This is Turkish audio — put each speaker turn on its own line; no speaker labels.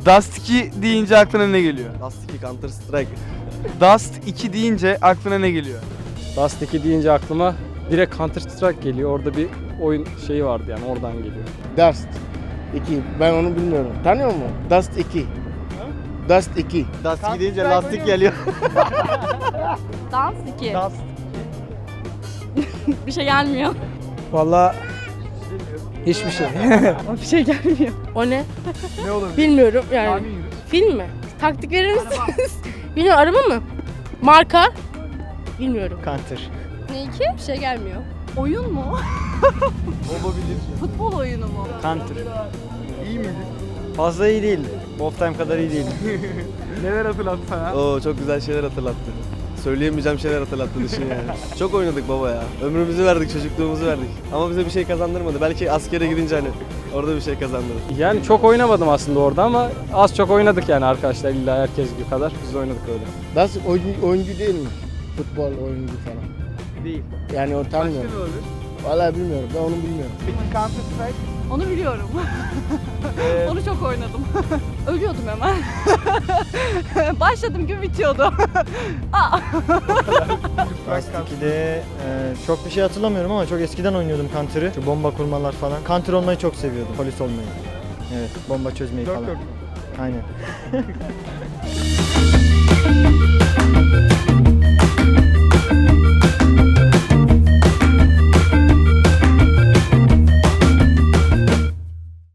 Dust 2 deyince aklına ne geliyor?
Dust 2 Counter Strike.
Dust 2 deyince aklına ne geliyor?
Dust 2 deyince aklıma direkt Counter Strike geliyor. Orada bir oyun şeyi vardı yani oradan geliyor.
Dust 2. Ben onu bilmiyorum. Tanıyor musun? Dust 2. Dust 2.
Dust 2 deyince lastik geliyor.
Dans 2. Bir şey gelmiyor.
Vallahi hiçbir şey.
Bir şey gelmiyor. O ne?
Ne olabilir?
Bilmiyorum yani.
Tahmin yürüt.
Film mi? Taktik verir misiniz? Bilmiyorum, araba mı? Marka? Bilmiyorum.
Counter.
Ne iki? Bir şey gelmiyor. Oyun mu?
Olabilir.
Futbol oyunu mu?
Counter.
İyi miydi?
Fazla iyi değildi. Wolf Time kadar iyi değildi.
Neler hatırlattı sana?
Oo çok güzel şeyler hatırlattı. Söyleyemeyeceğim şeyler hatırlattı düşün yani. Çok oynadık baba ya. Ömrümüzü verdik, çocukluğumuzu verdik. Ama bize bir şey kazandırmadı. Belki askere gidince hani orada bir şey kazandırır.
Yani çok oynamadım aslında orada ama az çok oynadık yani arkadaşlar illa herkes gibi kadar biz de oynadık öyle.
Dust oyuncu değil mi? Futbol oyuncu falan.
Değil.
Yani o
Başka
tanımıyorum.
ne olabilir?
Vallahi bilmiyorum. Ben onu bilmiyorum.
Peki Counter Strike?
Onu biliyorum. Onu çok oynadım. Ölüyordum hemen. Başladım gibi bitiyordu.
Dust 2'de çok bir şey hatırlamıyorum ama çok eskiden oynuyordum Counter'ı. Şu bomba kurmalar falan. Counter olmayı çok seviyordum, polis olmayı. Evet, bomba çözmeyi
Dört
falan.
dört.
Aynen.